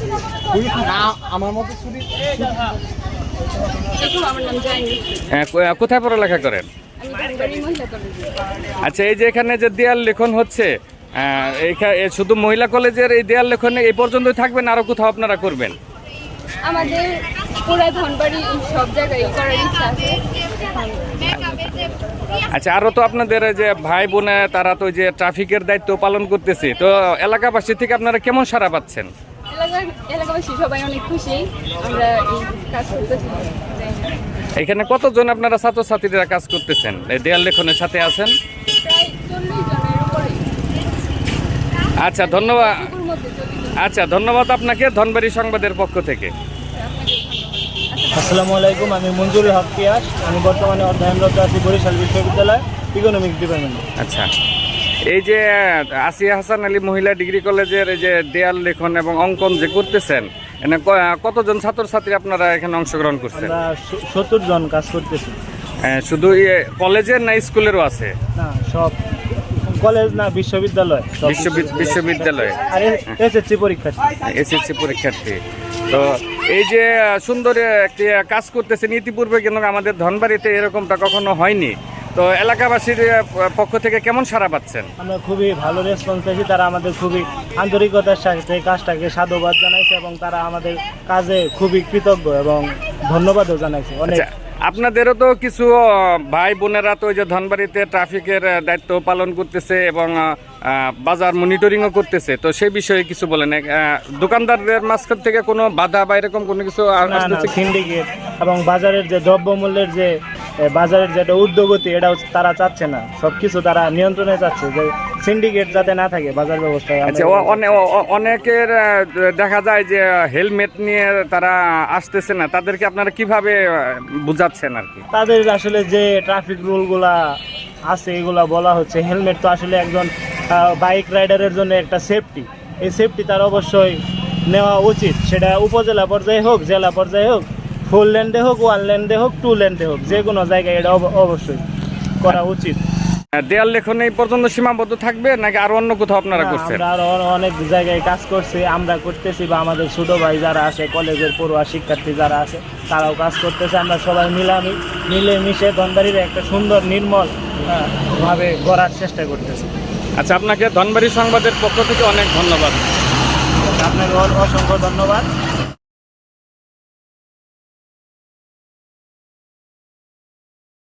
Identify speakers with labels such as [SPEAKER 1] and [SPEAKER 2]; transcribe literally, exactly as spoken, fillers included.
[SPEAKER 1] আমার মতো চুরি।
[SPEAKER 2] কোথায় পড়ালেখা করেন? আচ্ছা, এই যে এখানে যে দেয়াল লেখন হচ্ছে, শুধু মহিলা কলেজের এই দেয়াল লেখনে এই পর্যন্তই থাকবেন, আরো কোথাও আপনারা করবেন?
[SPEAKER 3] আমাদের পুরা ধনবাড়ি সব জায়গায় করার ইচ্ছা আছে।
[SPEAKER 2] আচ্ছা, আরো তো আপনাদের যে ভাই বোনে তারা তো যে ট্রাফিকের দায়িত্ব পালন করতেছে, তো এলাকাবাসী থেকে আপনারা কেমন সাড়া পাচ্ছেন?
[SPEAKER 3] এলাকাবাসী সবাই অনেক খুশি আমরা এই কাজ করতেছি।
[SPEAKER 2] এখানে কতজন আপনারা ছাত্রছাত্রীরা কাজ করতেছেন, এই দেয়াল লেখনের সাথে আছেন?
[SPEAKER 3] প্রায় চল্লিশ জনের উপরে।
[SPEAKER 2] আচ্ছা, ধন্যবাদ। আচ্ছা, ধন্যবাদ আপনাকে ধনবাড়ি সংবাদের পক্ষ থেকে।
[SPEAKER 4] আসসালামু আলাইকুম, আমি মঞ্জুরুল হক পিয়াস। আমি বর্তমানে অধ্যয়নরত আছি বরিশাল বিশ্ববিদ্যালয় ইকোনমিক্স ডিপার্টমেন্টে।
[SPEAKER 2] আচ্ছা, এই যে আসিয়া হাসান আলী মহিলা ডিগ্রি কলেজের এই যে দেয়াল লেখন এবং অঙ্কন যে করতেছেন, এখানে কতজন ছাত্রছাত্রী আপনারা এখানে অংশগ্রহণ করছেন?
[SPEAKER 4] আমরা সত্তর জন কাজ করতেছি।
[SPEAKER 2] শুধু কলেজের না স্কুলেরও আছে?
[SPEAKER 4] না, সব কলেজ না, বিশ্ববিদ্যালয়।
[SPEAKER 2] বিশ্ববিদ্যালয়
[SPEAKER 4] আর এসএসসি পরীক্ষার্থী।
[SPEAKER 2] এসএসসি পরীক্ষার্থী। তো এই যে সুন্দর একটি কাজ করতেছেন, ইতিপূর্বে কিন্তু আমাদের ধনবাড়িতে এরকমটা কখনো হয়নি, তো এলাকাবাসীর পক্ষ থেকে কেমন সাড়া পাচ্ছেন?
[SPEAKER 4] আমরা খুবই ভালো রেসপন্স পেয়েছি। তারা আমাদের খুবই আন্তরিকতার সাথে কাজটাকে সাধুবাদ জানাইছে এবং তারা আমাদের কাজে খুবই কৃতজ্ঞ এবং ধন্যবাদও জানাইছে অনেক।
[SPEAKER 2] আপনাদেরও তো কিছু ভাই বোনেরা তো ওই যে ধনবাড়িতে ট্রাফিকের দায়িত্ব পালন করতেছে এবং বাজার মনিটরিংও করতেছে, তো সেই বিষয়ে কিছু বলেন। দোকানদারদের মাঝখান থেকে কোনো বাধা বা এরকম কোনো কিছু?
[SPEAKER 4] সিন্ডিকেট এবং বাজারের যে দ্রব্যমূল্যের যে বাজারের যেটা ঊর্ধ্বগতি, এটাও তারা চাচ্ছে না। সব কিছু তারা নিয়ন্ত্রণে চাচ্ছে, যে সিন্ডিকেট যাতে না থাকে বাজার ব্যবস্থায়।
[SPEAKER 2] আচ্ছা, অনেকের দেখা যায় যে হেলমেট নিয়ে তারা আসতেছে না, তাদেরকে আপনারা কিভাবে বুঝাচ্ছেন আর কি?
[SPEAKER 4] তাদের আসলে যে ট্রাফিক রুলগুলা আছে এগুলা বলা হচ্ছে। হেলমেট তো আসলে একজন বাইক রাইডারের জন্য একটা সেফটি, এই সেফটি তার অবশ্যই নেওয়া উচিত। সেটা উপজেলা পর্যায়ে হোক, জেলা পর্যায়ে হোক, ফোর লেন্ডে হোক, ওয়ান লেন্ডে হোক, টু লেন্ডে হোক, যে কোনো জায়গায় এটা অবশ্যই করা উচিত।
[SPEAKER 2] দেয়াল লেখন এই পর্যন্ত সীমাবদ্ধ থাকবে নাকি আরো অন্য কোথাও আপনারা করছেন?
[SPEAKER 4] আমরা আরো অনেক জায়গায় কাজ করছি, আমরা করতেছি, বা আমাদের ছোট ভাই যারা আছে, কলেজের পড়ুয়া শিক্ষার্থী যারা আছে, তারাও কাজ করতেছে। আমরা সবাই মিলামি মিলে মিশে ধনবাড়ির একটা সুন্দর নির্মল ভাবে গড়ার চেষ্টা করতেছি।
[SPEAKER 2] আচ্ছা, আপনাকে ধনবাড়ি সংবাদের পক্ষ থেকে অনেক ধন্যবাদ।
[SPEAKER 4] আপনাকে অসংখ্য ধন্যবাদ।